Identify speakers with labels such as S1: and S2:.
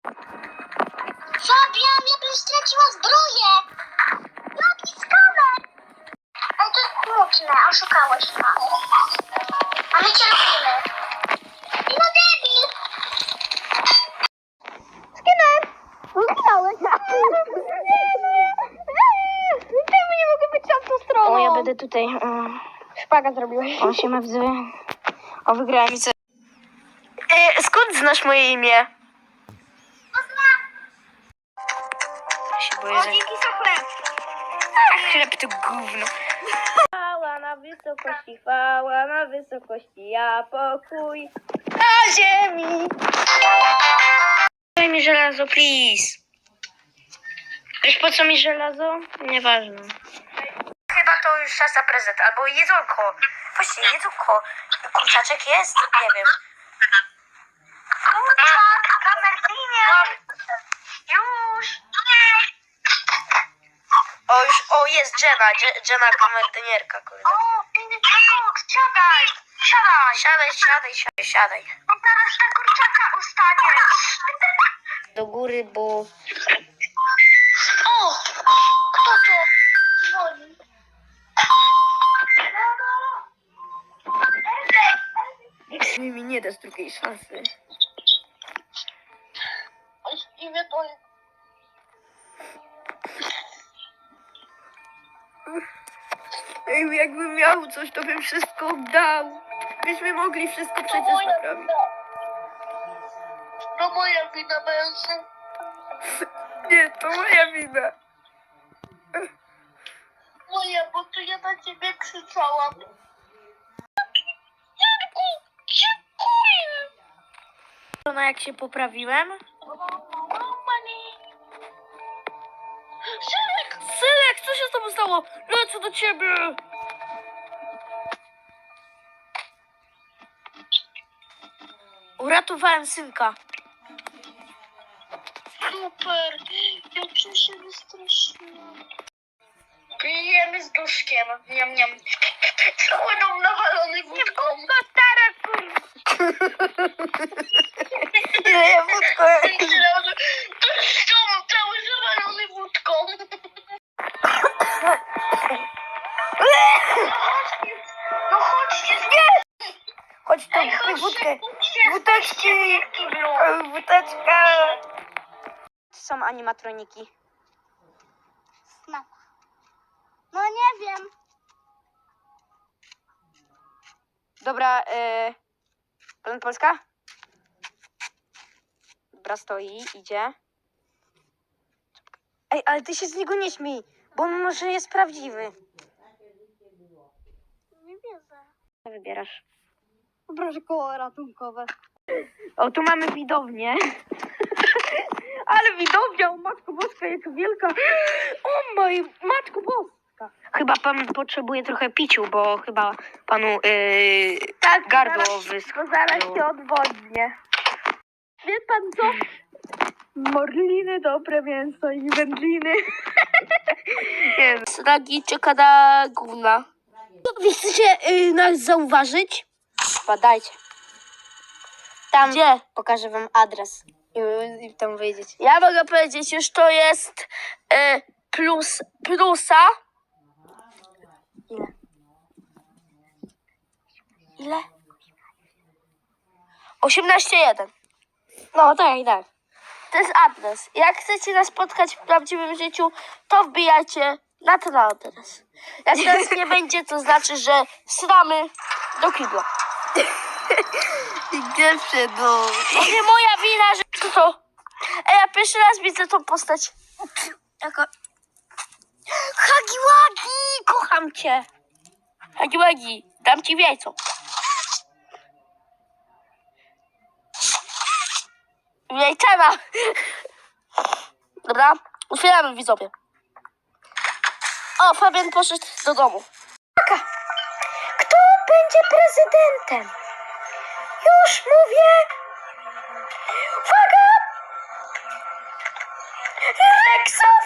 S1: Fabian, ja bym straciła zbroję! Jaki skamer! Ale to jest smutne, oszukałeś nas. A my cię lubimy. No debil!
S2: Skinner! Zginąłeś! Czemu nie mogę być tamtą stroną?
S3: O, ja będę tutaj.
S2: Szpaga zrobiłeś.
S3: O, się ma widzowie. O, wygrałem i co? Skąd znasz moje imię? Ja się boję, że...
S2: Dzięki za chleb.
S3: A, chleb to gówno. Chwała na wysokości, chwała na wysokości, a pokój na ziemi. Daj mi żelazo, please. Wiesz po co mi żelazo? Nieważne. Chyba to już czas na prezent, albo jedzonko. Właśnie, jedzonko. Kurczaczek jest? Nie wiem.
S1: Kurczak, kamerdynie! Już!
S3: O, jest Jenna, Jenna kamerdynierka, kurde.
S1: O, koks, siadaj! Siadaj!
S3: Siadaj.
S1: Bo zaraz ta kurczaka ustanie.
S3: Do góry, bo...
S1: O! Kto to dzwoni?
S3: Mi nie dasz drugiej szansy.
S1: Imię to jest...
S3: Ej, jakbym miał coś, to bym wszystko dał. Byśmy mogli wszystko przecież naprawić.
S1: To moja wina będzie.
S3: Nie, to moja wina.
S1: Moja, bo to ja na ciebie krzyczałam.
S3: No jak się poprawiłem? Synek, co się z tobą stało? Lecę do ciebie. Uratowałem synka.
S1: Super, jak się wystraszyłam. Pijemy z duszkiem. Niam, niam. Cały dom nawalony wódką.
S3: Ile ja wódko?
S1: To jest dom cały zawalony wódką. No chodźcie,
S3: Chodź tu,
S1: Ej,
S3: kupuj
S1: chodźcie,
S3: wódkę.
S1: kupcie.
S3: Wódeczki. Wódeczka. Są animatroniki.
S2: No nie wiem.
S3: Dobra, plan Polska? Dobra, stoi, idzie. Ej, ale ty się z niego nie śmiej, bo on może jest prawdziwy.
S2: Nie wierzę.
S3: Co wybierasz?
S2: Proszę koło ratunkowe.
S3: O, tu mamy widownię. Ale widownia, o Matko Boska, jaka wielka. O moj, Matko Boska. Chyba pan potrzebuje trochę piciu, bo chyba panu gardło wyschło.
S2: Zaraz się odwodnię. Wie pan co? Morliny, dobre mięso i wędliny.
S3: Nie wiem. Sragi czekada gówna. Wy chcecie nas zauważyć? Badajcie. Tam gdzie? Pokażę wam adres. I tam wyjdziecie. Ja mogę powiedzieć, już to jest plusa. Ile? Ile? 18.1. No tak. To jest adres. Jak chcecie nas spotkać w prawdziwym życiu, to wbijajcie na ten adres. Jak nas nie będzie, to znaczy, że sramy do kibla.
S2: Pierwsze do...
S3: To nie moja wina, że to. Ej, ja pierwszy raz widzę tą postać. Jako... Hagiwagi! Kocham cię! Hagiwagi, dam ci w jajco. Jajczana! Dobra, otwieramy widzowie. O, Fabian poszedł do domu. Kto będzie prezydentem? Już mówię. Uwaga! Reksa!